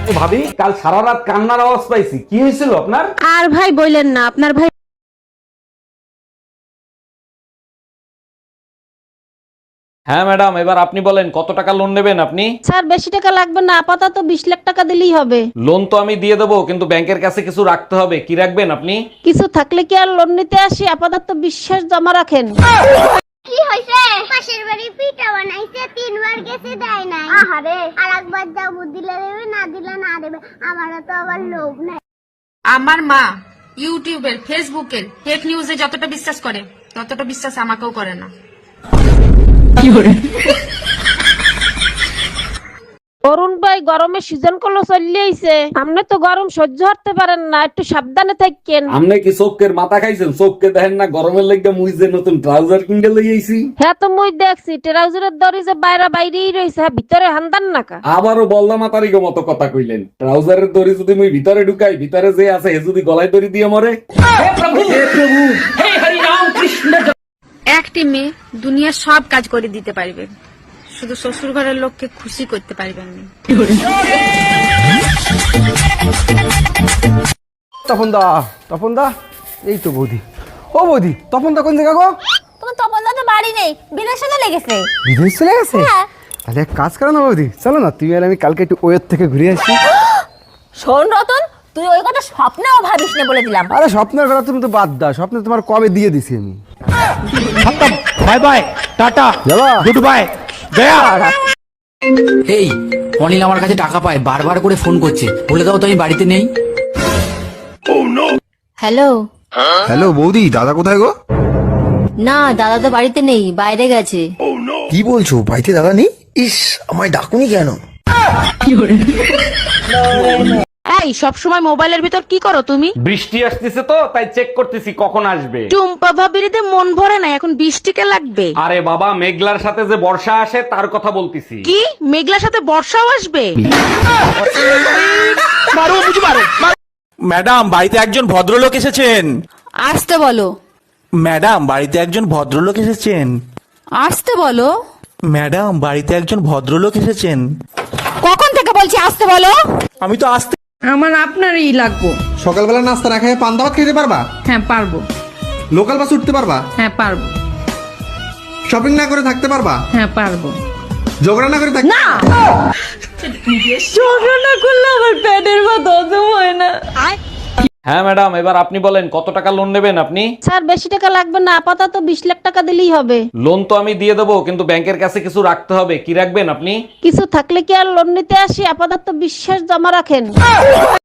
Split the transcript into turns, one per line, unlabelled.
ভাবি, কাল সারা রাত কান্নার আওয়াজ পাইছি, কি হয়েছিল আপনার?
আর ভাই বললেন না, আপনার ভাই
হ্যাঁ ম্যাডাম, এবার আপনি বলেন কত টাকা লোন নেবেন আপনি?
স্যার বেশি টাকা লাগবে না, আপাতত 20 লাখ টাকা দিলেই হবে।
লোন তো আমি দিয়ে দেবো, কিন্তু ব্যাংকের কাছে কিছু রাখতে হবে। কি রাখবেন আপনি?
কিছু থাকলে কি আর লোন নিতে আসি? আপাতত বিশ্বাস জমা রাখেন।
কি হইছে? পাশের বাড়ি পিঠা বানাইছে, 3 বার গেছে দেয় নাই। আহারে, আরেকবার যাবো, দিলে দেবে, না দিলে না দেবে। আমারও তো আবার লোভ নাই।
আমার মা ইউটিউবের ফেসবুকের ফেক নিউজে যতটা বিশ্বাস করে ততটা বিশ্বাস আমাকেও করে না।
অরুণ ভাই, গরমের সিজন করলো চলে আইছে, আপনি তো গরম সহ্য করতে পারেন না, একটু সাবধানে থাকেন।
আপনি কি চোখের মাথা খাইছেন? চোখকে দেখেন না গরমের লেগে মুই যে নতুন ট্রাউজার কিনতে লই আইছি।
হ্যাঁ তো মুই দেখছি ট্রাউজারের দড়ি যে বাইরেই রয়েছে, ভিতরে হান্দান নাকা।
আবারও বললাম তারিখ মতো কথা কইলেন। ট্রাউজারের দড়ি যদি মুই ভিতরে ঢুকাই, ভিতরে যে আছে হে যদি গলায় দড়ি দিয়ে মরে।
একটি মেয়ে দুনিয়ার সব কাজ করে দিতে পারবে, শুধু শ্বশুর ঘরের লোককে খুশি করতে পারবেন না।
তপন দা, এই তো বৌদি। ও বৌদি, তপন দা কোন জায়গা গো?
তোমার তপনদা তো বাড়ি নেই, বিদেশে চলে গেছে।
বিদেশ চলে গেছে?
হ্যাঁ।
তাহলে এক কাজ করো না বৌদি, চলো না তুমি আর আমি কালকে একটু ওয়ের থেকে ঘুরে আসি।
শোন রতন, তুই ওই কথা স্বপ্নেও ভাবিস না বলে দিলাম।
আরে স্বপ্নের কথা তুমি তো বাদ দাও, স্বপ্নে তোমার কবে দিয়ে দিছি আমি।
বাই বাই, টাটা,
যাবা?
গুড বাই, গয়া।
এই অনিল আমার কাছে টাকা পায়, বারবার করে ফোন করছে, বলে দাও তো আমি বাড়িতে নেই।
হ্যালো।
হ্যালো বৌদি, দাদা কোথায় গো?
না, দাদা তো বাড়িতে নেই, বাইরে গেছে।
কি বলছো, বাড়িতে দাদা নেই? ইস, আমায় ডাকুনি কেন?
এই সব সময় মোবাইলের ভিতর কি করো তুমি?
বৃষ্টি আসতেছে তো তাই চেক করতেছি কখন আসবে।
টুম্পা ভাবিরিতে মন ভরে না, এখন 20 টাকা লাগবে।
আরে বাবা, মেঘলার সাথে যে বর্ষা আসে তার কথা বলতেছি।
কি মেঘলার সাথে বর্ষাও আসবে?
ম্যাডাম, বাড়িতে একজন ভদ্রলোক এসেছেন।
আসতে বলো।
ম্যাডাম, বাড়িতে একজন ভদ্রলোক এসেছেন।
আসতে বলো।
ম্যাডাম, বাড়িতে একজন ভদ্রলোক এসেছেন।
কখন থেকে বলছি আসতে বলো?
আমি তো আসতে।
আমার আপনারই লাগবো।
সকালবেলা নাস্তা না খেয়ে পান্তা ভাত খেতে পারবা?
হ্যাঁ পারবো।
লোকাল বাস উঠতে পারবা?
হ্যাঁ পারবো।
শপিং না করে থাকতে পারবা?
হ্যাঁ পারবো।
ঝগড়া না করে থাকতে?
না, ঝগড়া না করলে আমার পেটের ভাত হজম হয় না।
হ্যাঁ ম্যাডাম, এবার আপনি বলেন কত টাকা লোন নেবেন আপনি?
স্যার বেশি টাকা লাগবে না, আপাতত 20 লাখ টাকা দিলেই হবে।
লোন তো আমি দিয়ে দেবো, কিন্তু ব্যাংকের কাছে কিছু রাখতে হবে। কি রাখবেন আপনি?
কিছু থাকলে কি আর লোন নিতে আসি? আপাতত বিশ্বাস জমা রাখেন।